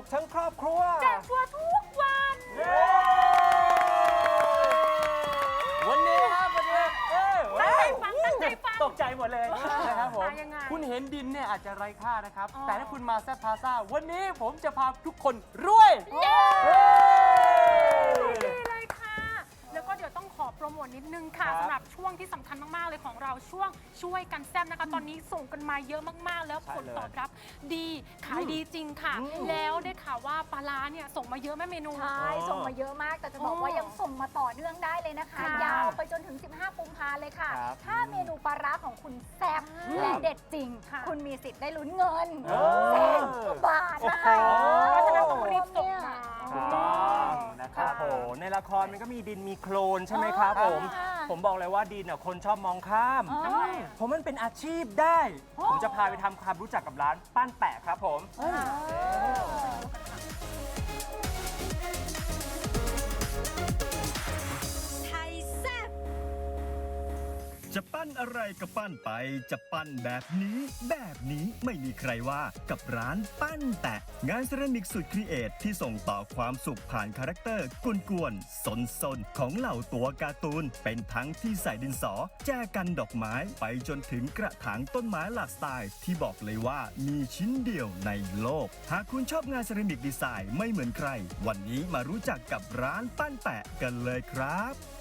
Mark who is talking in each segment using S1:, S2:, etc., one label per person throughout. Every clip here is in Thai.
S1: กทั้งครอบครัว
S2: แจกชัวร์ทุกวัน
S1: วันนี้ครับวันนี้
S2: ตั้งใจฟัง
S1: ตกใจหมดเลยนะครับผม
S2: ยังไง
S1: คุณเห็นดินเนี่ยอาจจะไร้ค่านะครับ
S2: อ๋อ
S1: แต่ถ้าคุณมาแซดพาซ่าวันนี้ผมจะพาทุกคนรวย
S2: เย้ดีเลยค่ะ แล้วก็เดี๋ยวต้องขอโปรโมทนิดนึงค่ะ
S1: ครับ
S2: สำหรับช่วงที่สำคัญมาก ๆ เลยของเราช่วงช่วยกันแซมนะคะ ตอนนี้ส่งกันมาเยอะมาก ๆ แล้ว
S1: ใช่
S2: ผล
S1: เลย
S2: ตอบรับดีขายดีจริงค่ะ แล้วได้ข่าวว่าปลาร้าเนี่ยส่งมาเยอะแม่เมนู
S3: ใช่ส่งมาเยอะมาก แต่จะบอกว่ายังส่งมาต่อเนื่องได้เลยนะคะ
S2: ค่ะ
S3: ยาวไปจนถึง 15 กุมภาเลยค่ะ
S1: ครับ
S3: ถ้าเมนูปลาร้าของคุณแซ่บและเด็ดจริง
S2: ค่ะ
S3: คุณมีสิทธิ์ได้ลุ้นเงิน
S1: โอ้
S3: แสนกว่าบาทนะคะ
S2: เพราะฉะนั้นต้องรีบส่งมา
S1: ถูกต้องนะครับ
S4: โอ้โหในละครมันก็มีดินมีโคลนใช่ไหมครับผม
S3: ค่ะ
S4: ผมบอกเลยว่าดินคนชอบมองข้าม
S3: อ๋อ
S4: ผมมันเป็นอาชีพได้ ผมจะพาไปทำความรู้จักกับร้านปั้นแปะครับผม
S5: จะปั้นอะไรก็ปั้นไป จะปั้นแบบนี้ไม่มีใครว่ากับร้านปั้นแตะงานเซรามิกสุดครีเอทที่ส่งต่อความสุขผ่านคาแรคเตอร์กวนๆสนๆของเหล่าตัวการ์ตูน เป็นทั้งที่ใส่ดินสอ แจกันดอกไม้ไปจนถึงกระถางต้นไม้หลากสไตล์ที่บอกเลยว่ามีชิ้นเดียวในโลก หากคุณชอบงานเซรามิกดีไซน์ไม่เหมือนใคร วันนี้มารู้จักกับร้านปั้นแปะกันเลยครับ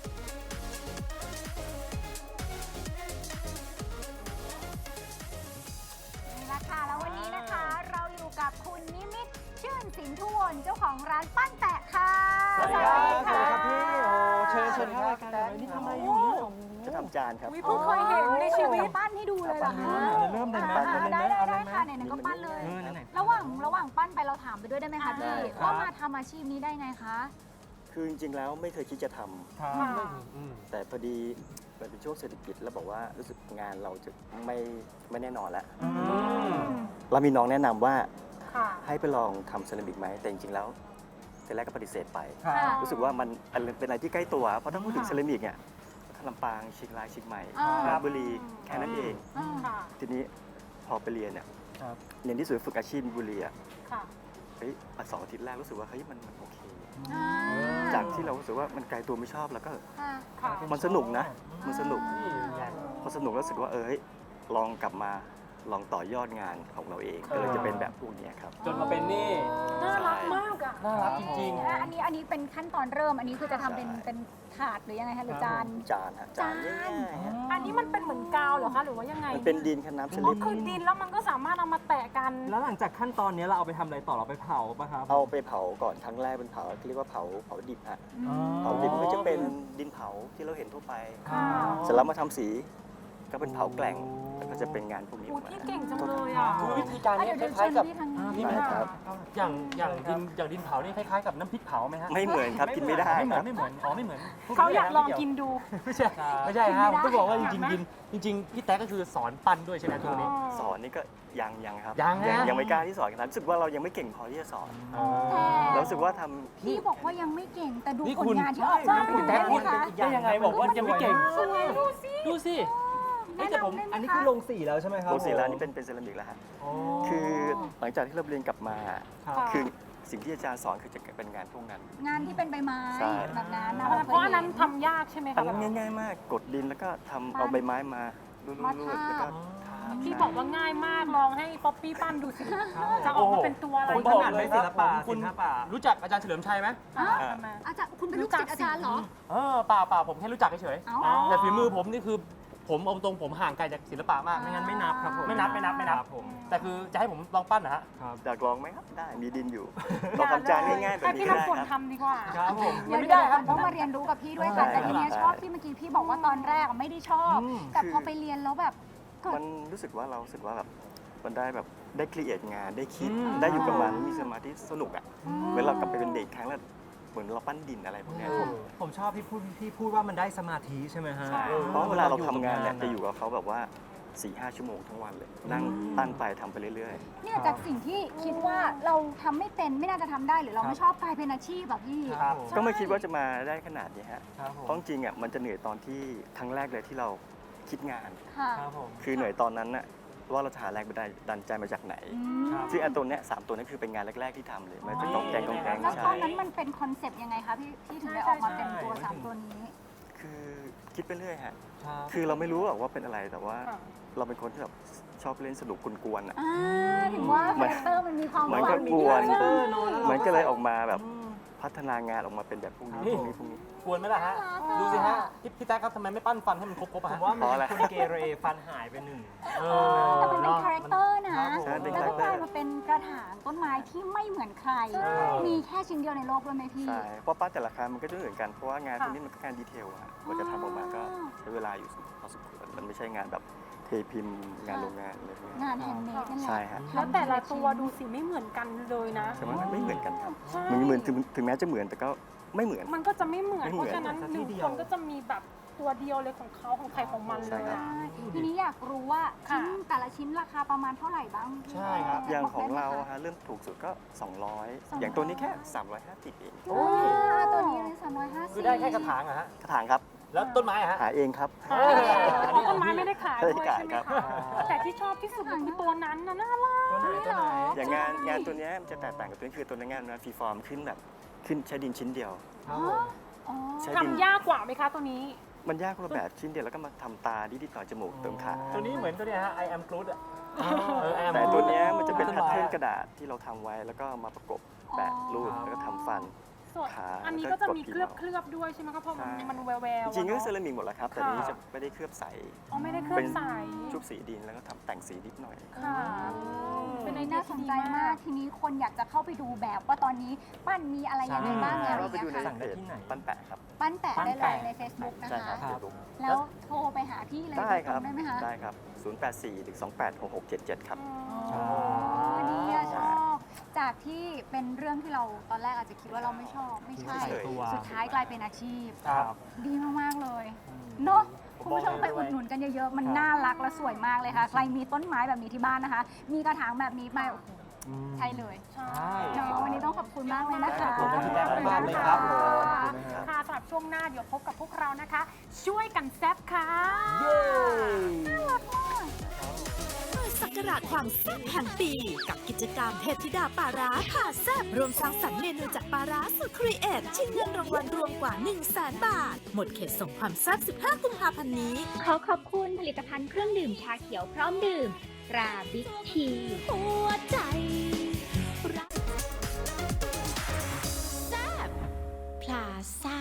S3: นี่แหละค่ะแล้ววันนี้นะคะ เราอยู่กับคุณนิมิตรชื่นสินทุวนเจ้าของร้านปั้นแตะค่ะ
S1: สวัสดีครับ
S3: สวัสดีค่ะ
S4: พี่โอ้เชิญเข้ารายการเลยนี่ทำอะไรอยู่เนี่ย
S6: จะทำจานครับ
S2: วิเพิ่งเคยเห็นในชีวิต
S3: ปั้นให้ดูเลยเหรอคะ
S4: เริ่มเลยไหม
S3: ได้ค่ะไหนๆก็ปั้นเลย
S4: ไหน
S3: ระหว่างปั้นไปเราถามไปด้วยได้ไหมคะพี่
S6: ได้ครับ
S3: ว่ามาทำอาชีพนี้ได้ไงคะ
S6: คือจริงๆแล้วไม่เคยคิดจะทำ
S4: ครับ
S2: ค่ะ
S6: แต่พอดีมันเป็นช่วงเศรษฐกิจแล้วบอกว่ารู้สึกงานเราจะไม่แน่นอนแล้ว เรามีน้องแนะนำว่า
S2: ค่ะ
S6: ให้ไปลองทำเซรามิกไหมแต่จริงๆแล้วทีแรกก็ปฏิเสธไป
S4: ครับ
S3: ค่ะ
S6: รู้สึกว่ามันเป็นอะไรที่ใกล้ตัว เพราะถ้าพูดถึงเซรามิกเนี่ยลำปางเชียงรายเชียงใหม่
S3: อ่า
S6: ราชบุรีแค่นั้นเอง
S2: ค่ะ
S6: ทีนี้พอไปเรียนเนี่ย
S4: ครับ
S6: เรียนที่ศูนย์ฝึกอาชีพบุรีอะ
S2: ค่ะ
S6: เฮ้ย2 อาทิตย์แรกรู้สึกว่าเฮ้ยมันโอเค
S3: อ่า
S6: จากที่เรารู้สึกว่ามันไกลตัวไม่ชอบแล้วก็
S3: ค่ะ
S2: ค่ะ
S6: มันสนุกนะ มันสนุก
S1: นี่ไง
S6: พอสนุกแล้วรู้สึกว่าเฮ้ยลองกลับมาลองต่อยอดงานของเราเองก็เลยจะเป็นแบบพวกเนี้ยครับ
S1: จนมาเป็นนี่
S2: น่ารักมากอ่ะ
S1: น่ารักจริง
S3: และอันนี้เป็นขั้นตอนเริ่ม อันนี้คือจะทำเป็นถาดหรือยังไงคะหรือจาน
S6: จานฮะจานง่ายๆฮะ
S2: อันนี้มันเป็นเหมือนกาวเหรอคะหรือว่ายังไง
S6: มันเป็นดินกับน้ำส
S2: อ๋
S6: ลิ
S2: อ
S6: ด
S2: คือดินแล้วมันก็สามารถเอามาแตะกัน
S4: แล้วหลังจากขั้นตอนนี้เราเอาไปทำอะไรต่อเราไปเผาปะครับ
S6: เอาไปเผาก่อนครั้งแรกเป็นเผาเรียกว่าเผาดิบฮะเผาดิบก็จะเป็นดินเผาที่เราเห็นทั่วไป
S2: ค่ะ
S6: เสร็จแล้วมาทำสีก็เป็นเผาแกล่งแล้วก็จะเป็นงานพวกนี้
S2: อู
S6: ออกมา
S2: พี่เก่งจังเลยอ่ะ
S1: ๆคือวิธีการ
S3: อ่ะ
S1: นี้
S3: เดี๋ยว
S1: คล้ายๆกับ
S3: เชิญพี่ทางนี้
S1: นี่
S6: ได้ครับ
S1: อย่างดินเผานี่คล้ายๆกับน้ำพริกเผาไหมฮะ
S6: ไม่เหมือนครับกินไม่ได้
S1: ไม่เหมื
S6: ค
S1: อ
S6: รั
S1: น
S6: บ
S1: ไม่เหมือนอ๋อไม่เหมือน
S2: เขาอยากลองกินดู
S1: ไม่ใช่ไม่ใช่ฮะผมต้องบอกว่าจริงๆพี่แต๊กก็คือสอนปั้นด้วยใช่ไหมทุกนี้
S6: สอนนี่ก็ยังครับ
S1: ยังนะ
S6: ยังไม่กล้าที่สอนกันรู้สึกว่าเรายังไม่เก่งพอที่จะสอน
S3: แต่
S6: เรารู้สึกว่าทำ
S3: พี่บอกว่ายังไม่เก่ง แต่ดู
S1: นี่
S3: ผ
S1: คุ
S3: ล
S1: ณ
S3: งานที่ออกมาเป็น
S1: แต๊
S3: ได้
S1: ก
S3: ไหม
S1: พูด
S3: คะ
S1: ได้ยังไงบอกว่ายังไม่เก่ง
S2: สวยดูสิ
S1: ดูสิ
S3: แนะนำได้ไหม
S4: อันนี้
S3: คะ
S4: คือลงสีแล้วใช่ไหมครับ
S6: โรสีร้านนี้เป็นเซรามิกแล้วฮะ คือหลังจากที่เราเรียนกลับมา
S4: ครับ
S6: คือสิ่งที่อาจารย์สอนคือจะเป็นงานพวกนั้น
S3: งานที่เป็นใบไม้
S6: ใช่
S3: แบบนั้นนะ
S2: เพราะอันนั้นทำยากใช่ไหม
S6: อั
S2: คะ
S6: นนั้นง่ายๆมาก กดดินแล้วก็ทำเอาใบไม้มารูดๆแล้วก็ทา
S2: พี่บอกว่าง่ายมากลองให้ป๊อปปี้ปั้นดูสิ จะออกมาเป็นตัวอะไร
S1: ผมบอกเลย
S4: ศิลปะ
S1: คุณ
S4: ศิลปะ
S1: รู้จักอาจารย์เฉลิมชัยไหม
S3: อ้าว
S2: ทำไม
S3: อาจารย์คุณเป็นลูกศิษย์อาจารย์เหรอ
S1: เปล่าผมแค่รู้จักเฉย
S3: เอ้า
S1: ๆแต่ฝีมือผมนี่คือผมเอาตรงผมห่างไกลจากศิลปะมากไม่งั้นไม่นับครับผมไม่นับ
S4: ครับผม
S1: แต่คือจะให้ผมลองปั้นนะฮะ
S6: อยากลองไหมครับ ได้ มีดินอยู่ลองทำจานง่ายๆแบบ
S2: ให้
S6: นี้
S2: พี่
S6: ก็ได้
S2: น้ำฝน
S6: ครับ
S2: ทำดีกว่า
S4: ครับผม
S3: เดี๋ยวต้องมาเรียนรู้กับพี่ด้วยค่ะแต่ทีเนี้ยชอบที่เมื่อกี้พี่บอกว่าตอนแรกอะไม่ได้ชอบ แต่พอไปเรียนแล้วแบบเกิด
S6: มันรู้สึกว่าเรารู้สึกว่าแบบมันได้แบบได้ครีเอทงานได้คิด
S1: อืม
S6: ได้อยู่กับมันมีสมาธิสนุกอ่ะเหมือนเรากลับไปเป็นเด็กครั้งแรกเหมือนเราปั้นดินอะไรพวกเนี้ย
S4: ผมชอบที่พูดว่ามันได้สมาธิใช่ไหมฮะ
S2: ใช่
S6: เพราะเวลาเราทำงานเนี่ยจะอยู่กับเขาแบบว่า 4-5 ชั่วโมงทั้งวันเลย นั่งปั้นไปทำไปเรื่อย
S3: เนี่ยจากสิ่งที่คิดว่าเราทำไม่เป็นไม่น่าจะทำได้หรือเราไม่ชอบกลายเป็นอาชีพแบบพี่
S4: ครับ
S6: ๆ ก็ไม่คิดว่าจะมาได้ขนาดนี้ฮะ
S4: ครับผม
S6: เพราะจริงๆอ่ะมันจะเหนื่อยตอนที่ครั้งแรกเลยที่เราคิดงาน
S3: ค่ะ
S4: ครับผม
S6: คือเหนื่อยตอนนั้นน่ะว่าเราจะหาแรงบันดาลใจมาจากไหน
S4: ครับ
S6: ซึ่งอันตัวเนี้ย3ตัวนี้คือเป็นงานแรกๆที่ทำเลยมันจะกองแกงกองแกง
S3: แล้วต
S6: ใช่
S3: อนนั้นมันเป็นคอนเซปต์ยังไงคะพี่ถึงได้ออกมาเป็นตัวสามตัวนี้
S6: คือคิดไปเรื่อยฮะ
S1: ครับ
S6: คือเราไม่รู้หรอกว่าเป็นอะไรแต่ว่า
S2: ค่ะ
S6: เราเป็นคนที่แบบชอบเล่นสนุกกวนๆอ่ะ
S3: ถึงว่าคาแรคเตอร์มันมีความ
S6: เหมือน
S3: ห
S6: กั
S3: วา
S6: บ
S3: น
S6: กวน
S3: ใช่
S6: เหมือนก็เลยออกมาแบบพัฒนางานออกมาเป็นแบบพวกนี้
S1: นี่
S6: พวกนี้
S1: กวนไหมล่ะฮะ ดูสิฮะพี่แต๊กครับทำไมไม่ปั้นฟันให้มันครบๆ
S4: ผ
S1: อะฮะ
S4: มว่า
S6: เพราะอะไร
S4: มันคนเกเรฟันหายไปหนึ่ง
S3: แต่มันเป็นคาแรคเตอร์นะ
S6: ใช่เป็น
S3: แล้วก็
S6: คาแรคเต
S3: ก
S6: อร์
S3: ลายมาเป็นกระถางต้นไม้ที่ไม่เหมือนใคร มีแค่ชิ้นเดียวในโลกด้วยไหมพี่
S6: ใช่เพราะปั้นแต่ละครั้งมันก็จะไม่เหมือนกันเพราะว่างานพวกนี้มันก็งานดีเทลอะกว่าจะทำออกมาก็ใช้เวลาอยู่พอสมควรมันไม่ใช่งานแบบเทพิมพ์งานโรงงานอะไรพวกนี้
S3: งานแฮนด์เมดนั่นแหละ
S6: ใช่ฮะ
S2: แล้วแต่ละตัวดูสิไม่เหมือนกันเลยนะ
S6: ใช่ไหมมันไม่เหมือนกันครับ
S2: ใช่
S6: มันเหมือนถึงแม้จะเหมือนแต่ก็ไม่เหมือน
S2: มันก็จะไม่เหมือน
S6: ไม่
S2: เพ
S6: เหมือน
S2: ราะฉะนั้นหนึ่งคนก็จะมีแบบตัวเดียวเลยของเขาของใครของมันเลยอะ
S3: ทีนี้อยากรู้ว่า
S2: ค่ะ
S3: ชิ้นแต่ละชิ้นราคาประมาณเท่าไหร่บ้างพี่
S1: ใช่ครับ
S6: อย่างของ
S3: บกได้
S6: เรา
S3: ไหมคะ
S6: ฮะเริ่มถูกสุดก็ 200 อย่างตัวนี้แค่ 350เอง
S1: โอ้ย
S3: ตัวนี้เลย350
S1: คือได้แค่กระถางอะฮะ
S6: กระถางครับ
S1: แล้วต้นไม้อะฮะ
S6: หาเองครับ
S2: อ๋อต้นไม้ไม่ได้ขายด้วย
S6: ไม่ได้ขาย
S2: ใช่ไหม
S6: ครับ
S2: คะแต่ที่ชอบที่สุดก็คือตัวนั้นนะน่ารัก
S4: ตัวไหนตัวไหน
S6: อย่างงานตัวเนี้ยมันจะแตกต่างกับตัวนี้คือตัวนี้งานมันฟรีฟอร์มขึ้นแบบขึ้นใช้ดินชิ้นเดียว
S3: อ๋ออ๋อ
S6: ใช้ดิน
S2: ทำยากกว่าไหมคะตัวนี้
S6: มันยากคนละแบบชิ้นเดียวแล้วก็มาทำตานิดๆหน่อยจมูกเติมขา
S1: ตัวนี้เหมือนตัวเนี้ยฮะ I am Groot อะ I am
S6: แต่
S1: Groot
S6: ตัวเนี้ยมันจะเป็น
S1: ต้
S6: แพท
S1: ไ
S6: เทิร์นกระดาษที่เราทำไว้แล้วก็มาประกบแปะรูปแล้วก็ทำฟัน
S2: ส่วน
S6: ขา
S2: อันนี้
S6: แล้
S2: ก็
S6: ว
S2: จะ
S6: ก็
S2: มี
S6: กด
S2: เคลือบ
S6: พิมพ์
S2: เคลือบด้วยใช่ไหมคะเพราะมัน
S6: ใช่
S2: มันแววแวว
S6: จริงๆก็เซรามิกหมดแล้วครับ แต่อันนี้จะไม่ได้เคลือบใส
S2: อ๋อไม่ได้เคลือบใส
S6: ชุบสีดินแล้วก็ทำแต่งสีนิดหน่อย
S2: ค่ะ เป็นไอเดี
S3: น่าย ส
S2: ที่
S3: น
S2: ดี
S3: ใจ
S2: มาม
S3: าก ก ทีนี้คนอยากจะเข้าไปดูแบบว่าตอนนี้ปั้นมีอะไรยังไงบ้างอะไรอ
S6: ก็
S3: ย่าง
S6: ไปดู
S3: เงี้ย
S6: ใน
S3: ค่ะ
S6: เพจปั้นแปะครับ
S3: ปั้นแปะได้เลยใน Facebook นะ
S6: ใช่ครั
S3: คะ
S6: บเดี๋ยวดู
S3: แล้วโทรไปหาพี่เลย
S6: ได้ครับ
S3: ได้ไหมคะ
S6: ได้ครับ 084-128-6677 ครับ
S3: อ๋อนี่อะชอบ จากที่เป็นเรื่องที่เราตอนแรกอาจจะคิดว่าเราไม่ชอบ ไม่ใช่
S6: เฉย
S3: สุดท้ายกลายเป็นอาชีพ
S1: ครับ
S3: ดีมาก ๆ เลยเนาะคุณผู้ชมไปอุดหนุนกันเยอะ ๆ มันน่ารักและสวยมากเลยค่ะ ใครมีต้นไม้แบบนี้ที่บ้านนะคะ มีกระถางแบบนี้ไปโอ้โหใช่เลย
S2: ใช่
S3: เนาะวันนี้ต้องขอบคุณมากเลยนะคะ
S1: ขอบคุณพี่แจ๊คมากเลยครับ
S2: ค่ะสำหรับช่วงหน้าเดี๋ยวพบกับพวกเรานะคะ ช่วยกันแซ่บค่ะ
S1: เย้
S7: เปิดศักราชความแซ่บแห่งปี กับกิจกรรมเทพธิดาปลาร้าผ่าแซ่บรวมสร้างสรรค์เมนูจากปลาร้าสุดครีเอทชิงเงินรางวัลรวมกว่า 100,000 บาท หมดเขตส่งความแซ่บ 15 กุมภาพันธ์นี้
S8: ขอขอบคุณผลิตภัณฑ์เครื่องดื่มชาเขียวพร้อมดื่มตราบิ๊กที
S7: หัวใจรักแซ่บพลาซ่า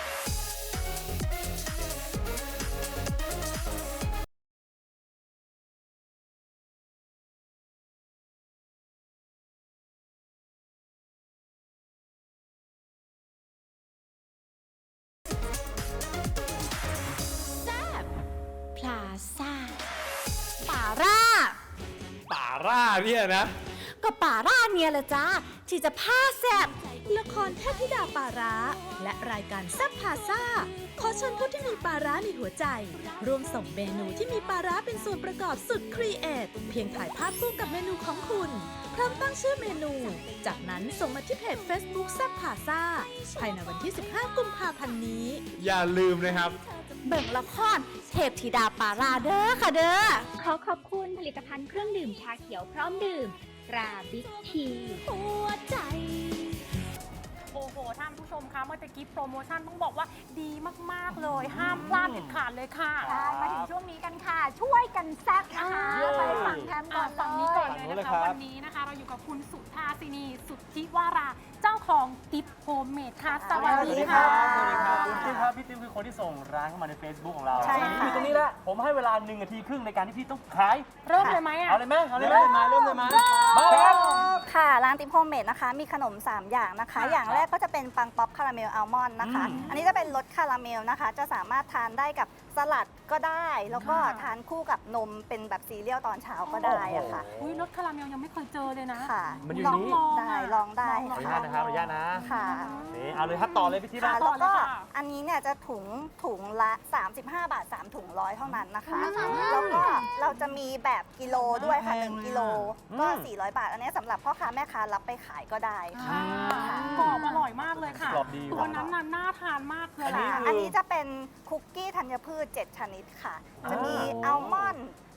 S7: แซ่บพลาซ่าป่าร่า
S1: ป่าร่าเนี่ยนะ
S7: ก็ป่าร่าเนี่ยแหละจ้าที่จะผ้าแซบละครเทพธิดาป่าร้า และรายการแซบพาซ่า ขอเชิญผู้ที่มีปลาร้าในหัวใจ ร่วมส่งเมนูที่มีปลาร้าเป็นส่วนประกอบสุดครีเอทเพียงถ่ายภาพคู่กับเมนูของคุณพร้อมตั้งชื่อเมนู จากนั้นส่งมาที่เพจ Facebook แซบพาซ่าภายในวันที่ 15 กุมภาพันธ์นี้
S1: อย่าลืมนะครับ
S7: เบิ่งละครเทพธิดาป่าร้าเด้อค่ะเด้อ
S8: ขอขอบคุณผลิตภัณฑ์เครื่องดื่มชาเขียวพร้อมดื่มตราบิ๊กที
S7: หัวใจ
S2: โอ้โห ท่านผู้ชมคะเมื่อตะกี้โปรโมชั่นต้องบอกว่าดีมาก ๆ เลย ห้ามพลาดเด็ดขาดเลยค่ะ
S3: ได้มาถึงช่วงนี้กันค่ะ ช่วยกันแซ่บนะคะ
S1: เย้
S3: ไปฝั่งแทมก่อน
S2: ฝั่งนี้ก่อนเลย
S1: ฝั่งนู้นเลย
S2: นะ
S1: ครั
S2: คะ
S1: บ
S2: วันนี้นะคะ เราอยู่กับคุณสุธาสินีสุทธิวารา เจ้าของติ๊บโฮมเมดค่ะ สวัสดีค่ะ
S1: สวัสดีครับคุณติ๊มครับพี่ติ๊มคือคนที่ส่งร้านเข้ามาใน Facebook ของเรา
S3: ใช่ค่ะ
S1: อยู่ตรงนี้แหละผมให้เวลา1 นาทีครึ่งในการที่พี่ต้องขาย
S2: เริ่มเลยไหมอ่ะ
S1: เอาเลยไหมเอาเลยไหมเริ่มเลยไหมมาครับ
S9: ค่ะร้านติ๊บโฮมเมดนะคะมีขนม 3 อย่างนะคะ อย่างแรกก็จะเป็นปังป๊อปคาราเมลอัลมอนด์นะคะ อันนี้จะเป็นรสคาราเมลนะคะ จะสามารถทานได้กับสลัดก็ได้ แล้วก็ทานคู่กับนมเป็นแบบซีเรียลตอนเช้าก็ได้อะค่ะ
S2: อุ้ยรสคาราเมลยังไม่เคยเจอเลยนะ
S9: ค่ะ
S1: มันอยู่
S2: ลอง
S1: นี้
S2: ลอง
S9: ได้ลองได้
S1: ขออนุญาตนะครับขออนุญาตนะ
S9: ค่ะ
S1: นี่เอาเลยครับต่อเลยพี่ติ๊ม
S9: ค่ะ
S1: นะ
S9: แล้วก็
S2: ต่อเลยค่ะ
S9: อันนี้เนี่ยจะถุงละ 35 บาท 3 ถุงร้อยเท่านั้นนะคะ
S3: อืม
S9: แล้วก็เราจะมีแบบกิโลด้วยค่ะ 1 กิโลก็ 400 บาท อันนี้สำหรับพ่อค้าแม่ค้ารับไปขายก็ได้ค่ะ
S2: กรอบอร่อยมากเลยค่ะ
S1: กรอบดี
S2: ตัวนั้นน่ะน่าทานมากเลย
S1: อันนี้
S2: ค่ะ
S1: คือ
S9: อันนี้จะเป็นคุกกี้ธัญพืช 7 ชนิดค่ะ จะมีอัลมอนด์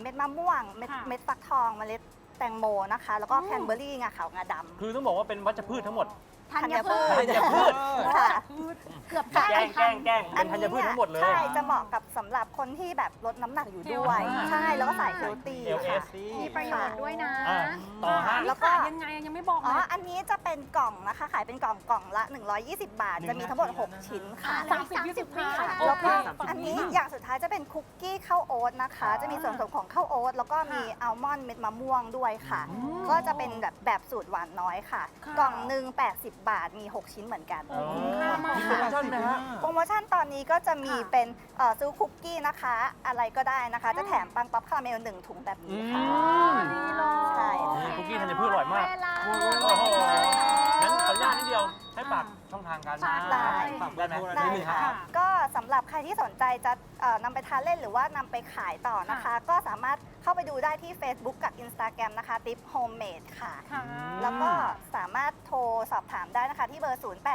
S9: เม็ดมะม่วง เม็ด
S2: ค่ะ
S9: เม็ดฟักทอง เมล็ดแตงโมนะคะ แล้วก็แคนเบอร์รี่งาขาวงาดำ
S1: คือต้องบอกว่าเป็นวัชพืชทั้งหมด
S3: ธัญพืช
S1: ธัญพืช
S9: ค่ะ
S3: เกือบ
S1: แกล้งเป็นธัญพืชทั้งหมดเลย
S9: ใช่จะเหมาะกับสำหรับคนที่แบบลดน้ำหนักอยู่ด้วย ใช่แล้วก็สายเฮลตี้
S1: LS
S3: มีประโยชน์ด้วยนะ
S1: อ่ะต่อฮะ
S9: แล้วก็
S2: ขายยังไงยังไม่บอก
S9: อ๋
S2: เล
S9: อย อันนี้จะเป็นกล่องนะคะ ขายเป็นกล่องละ 120 บาท จะมีทั้งหมด 6 ชิ้นค่ะ
S2: 30-20 วิค่ะ
S9: แล้วก็
S2: โเค
S9: อันนี้อย่างสุดท้ายจะเป็นคุกกี้ข้าวโอ๊ตนะคะ จะมีส่วนผสมของข้าวโอ๊ตแล้วก็มีอัลมอนด์เม็ดมะม่วงด้วยค่ะ ก็จะเป็นแบบสูตรหวานน้อยค่ะ
S2: ค่ะ
S9: กล่องหนึ่ง80 บาทมี 6 ชิ้นเหมือนกัน
S2: คุ้มค่ามาก
S1: มีโปรโมชั่นไหมฮะ
S9: โปรโมชั่นตอนนี้ก็จะมีเป็นซื้อคุกกี้นะคะ อะไรก็ได้นะคะ จะแถมปังป๊อปคาราเมล1 ถุงแบบนี้ค่ะ
S2: ดีเลย
S9: ใช่
S1: นี่คุกกี้ธัญพืชอร่อยมาก
S3: เวลา
S1: โอ้โหงั้นขออนุญาตนิดเดียวให้ฝากช่องทางการ
S3: ฝากได้
S1: ฝากได้ไหม
S9: ได้
S1: นิดนึง
S9: ค่ะ
S1: รับ
S9: ก็สำหรับใครที่สนใจจะนำไปทานเล่นหรือว่านำไปขายต่อนะคะ ก็สามารถเข้าไปดูได้ที่ Facebook กับ Instagram นะคะ Tip Homemade ค่ะ
S2: ค่ะ
S9: แล้วก็สามารถโทรสอบถามได้นะคะที่เบอร์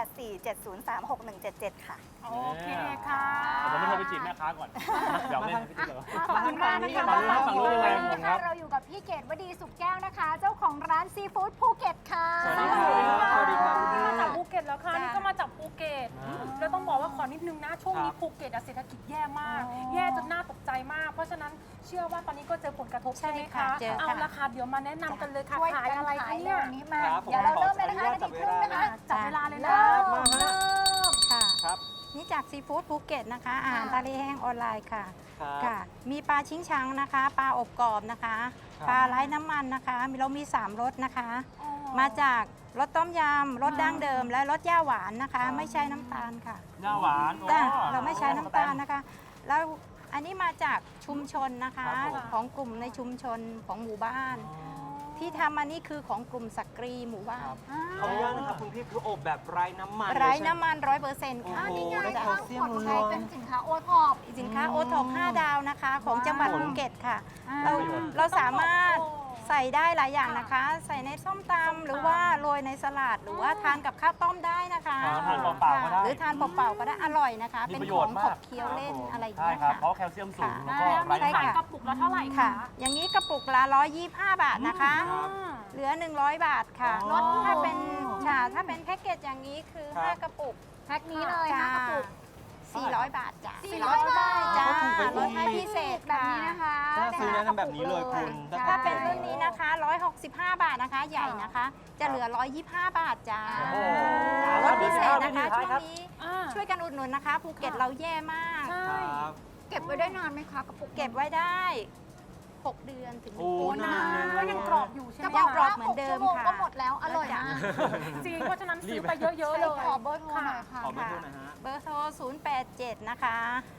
S9: 0847036177 ค่ะ
S2: โอเคค่ะ
S1: แต่ผมไม่เคยไปจีบแม่ค้าก่อนเดี๋ยวเล่นพี่ติ๊กเหรอ
S3: ขอบคุณมากนะคะ
S1: ฝั่งนู้นยังไง
S3: วันนี้นะคะเราอยู่กับพี่เกดวดีสุขแก้วนะคะ เจ้าของร้านซีฟู้ดภูเก็ตค่ะ
S1: สวัสดีครับ
S2: สวัสดีครับมาจากภูเก็ตแล้วค่ะ
S3: จ้ะ
S2: นี่ก็มาจากภูเก็ตแล้วต้องบอกว่าขอนิดนึงนะ ช่วงนี้
S1: ครับ
S2: ภูเก็ตอะเศรษฐกิจแย่มาก
S3: อ๋อ
S2: แย่จนน่าตกใจมาก เพราะฉะนั้นเชื่อว่าตอนนี้ก็เจอผลกระทบใช่ไหม
S3: ใช่ค่ะ
S2: คะ
S3: เจอค่ะ
S2: เอาละค่ะเดี๋ยวมาแนะนำกันเลยค่ะ
S3: ช่วย
S2: ขาย
S3: กัน
S2: อะไร
S3: ขา
S2: คะ
S3: ย
S2: เนี่ย
S3: วันนี้มา
S4: ครับผม
S3: เดี๋ยวเราเริ่มเลยนะคะ
S4: ขออนุญาต
S3: นาทีครึ่งนะคะ
S2: จับเวลาเลยนะ
S3: เริ่ม
S2: เริ่ม
S10: ค่ะ
S4: ครับ
S10: นี่จากซีฟู้ดภูเก็ตนะคะ อาหารทะเลแห้งออนไลน์ค่ะ
S4: ครับ
S10: ค่ะ มีปลาชิงชังนะคะ ปลาอบกรอบนะคะ
S4: ครับ
S10: ปลาไร้น้ำมันนะคะเรามี 3รสนะคะ มาจากรสต้มยำรสดั้งเดิม และรสย่าหวานนะคะ ไม่ใช้น้ำตาลค่ะ
S1: หน้าหวาน
S10: จ้ะ
S1: อ๋อ
S10: เราไม่ใช้น้ำตาลนะคะ แล้วอันนี้มาจากชุมชนนะคะ
S1: ครับผม
S10: ของกลุ่มในชุมชนของหมู่บ้าน ที่ทำอันนี้คือของกลุ่มสักกรีหมู่บ้าน
S4: ขออนุญาตนะครับคุณพี่คืออบแบบไร้น้ำมัน
S10: ไร้
S4: เลยใช่หม
S10: น้ำมัน 100%ค่ะ
S4: โอ้โห
S3: นี่ไง
S4: ได้
S3: ข้าง
S4: แคลเซีย
S3: ข
S4: ม
S3: วด
S4: ล้วน
S3: เป็นสินค้าโอท็อป
S10: สินค้าโอท็อป5 ดาวนะคะ ของจังหวัด
S3: ว้าว
S10: ภูเก็ตค่ะ
S3: อ่า
S10: เราสามารถใส่ได้หลายอย่างนะคะ ใส่ในส้มตำหรือว่าโรยในสลัดหรือว่าทานกับข้าวต้มได้นะคะ
S1: ทานเปล่าๆก็ได้
S10: หรือทานเปล่าๆก็ได้อร่อยนะคะ
S1: มี
S10: เป็น
S1: ประโย
S10: ข
S1: ช
S10: อง
S1: น์
S10: ข
S1: มาก
S10: บเคี้ยวเล่นอะไรอย่าง
S1: ใช่
S10: เงี้ย
S1: ครับ
S10: ค่ะ
S1: เพราะแคลเซียมสูง
S10: ค่ะ
S1: แล้วก็ไร้
S10: ใช่
S1: น้ำมัน
S10: ค่ะ
S2: กระปุกละเท่าไหร่
S10: ค่ะ
S2: คะ
S10: อย่างนี้กระปุกละ125 บาทนะคะ เหลือ 100 บาทค่ะ
S1: อ๋อ
S10: ลดถ้าเป็นถ้าเป็นแพ็กเกจอย่างนี้คือ
S4: ครับ
S10: 5 กระปุก
S3: แพ็คนี้เลย
S10: จ้า
S3: 5กระปุก
S10: 400 บาทจ้ะ
S3: 400 บาท
S10: จ้า
S4: ถูกไป
S10: ลดให้พิเศษ
S3: แบบ
S10: ค่ะ
S3: นี้นะคะ
S4: ถ้าซื้อแนะนำแบบนี้เลยคุณ
S3: ใช่
S10: ถ้าเป็นรุ่นนี้นะคะ 165 บาทนะคะ ใหญ่นะคะ จะเหลือ 125 บาทจ้า
S3: โอ้โห
S10: ลดพิเศษนะคะ
S1: ครั
S10: ช่ว
S1: บ
S10: งนี้
S2: อ่า
S10: ช่วยกันอุดหนุนนะคะ ภูเก็ตเราแย่มาก
S2: ใช่
S4: ครับ
S3: เก็บไว้ได้นานไหมคะกระปุก
S10: เก็บไว้ได้ 6 เดือนถึง
S4: โอ้
S2: โอ้นานก็ยังกรอบอยู่ใช่ไหม
S3: จะบอก
S10: กรอ
S3: ว่า
S10: บเหมือนเดิม
S3: 6 ชั่วโง
S10: ค่ะ
S3: ก็หมดแล้วอร่อยมาก
S2: จริงเพราะฉะนั้นซื้อไปเยอะๆเลย
S3: ขอเบอร์โทรหน่อยค่ะ
S4: ขอเบอร์โทรหนะฮะ
S10: เบอร์โทร 087 นะคะ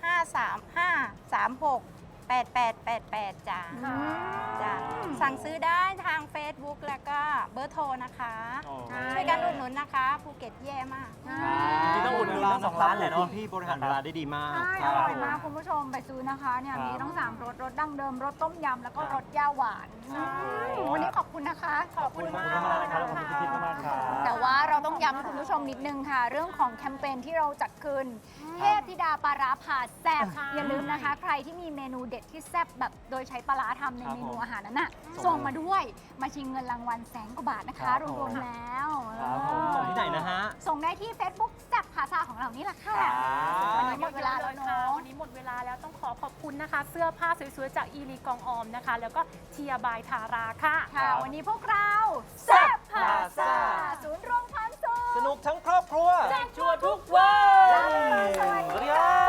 S10: 53536 8888จ้า
S2: ค่ะ
S10: จ้าสั่งซื้อได้ทาง Facebook แล้วก็เบอร์โทรนะคะ
S1: โอ้
S10: ช่วยกันอุดหนุนนะคะ ภูเก็ตแย่มาก
S1: จริงๆต้องอุดหนุนทั้งสองร้านเลยเนาะ
S4: คุณพี่บริหารเวลาได้ดีมาก
S3: ใช่
S4: ค
S3: อ
S4: รับ
S3: ร่อยมากคุณผู้ชมไปซื้อนะคะเนี่ย
S1: ครับ
S3: มีต้อง3รสรสดั้งเดิมรสต้มยำแล้วก็รสย่าหวาน
S2: ใช่
S3: วันนี้ขอบคุณนะคะ
S2: ขอบคุณมาก
S1: ขอบคุณมากนะครับแล้วขอบคุณพี่ทิพย์มากครับ
S3: แต่ว่าเราต้องย้ำให้คุณผู้ชมนิดนึงค่ะ เรื่องของแคมเปญที่เราจัดขึ้น เทพธิดาปลาร้าผ่าแซ่บ
S2: ใช่
S3: อย่าลืมนะคะ ใครที่มีเมนูเด็ดที่แซ่บแบบโดยใช้ปลาร้าทำใน
S1: ครับ
S3: เมนู
S1: ผม
S3: อาหารนั้นน่ะส่งมาด้วยมาชิงเงินรางวัล100,000 กว่าบาทนะ
S1: ครั
S3: คะ
S1: บผม
S3: รวมๆแล้ว
S1: ครับผม
S4: ส่งที่ไหนนะฮะ
S3: ส่งได้ที่ Facebook แซ่บภาษาของเรานี่แหละค่ะ
S4: ครับ
S3: วันนี้หมดเวลาแล้ว
S2: ค่ะ
S3: เนาะ
S2: วันนี้หมดเวลาแล้วต้องขอบคุณนะคะ เสื้อผ้าสวยๆ จากอีลีกองออมนะคะ แล้วก็เทียบายทาราค่ะ
S3: ค่ะ วันนี้พวกเราแซ่บพาซา
S4: Plaza
S3: ศูนย์รวมความสุข
S4: สนุกทั้งครอบครัว
S2: แจกชัวร์ทุกวัน
S3: สวัสดี
S4: สวัสดี
S3: ค่ะ
S4: ครับ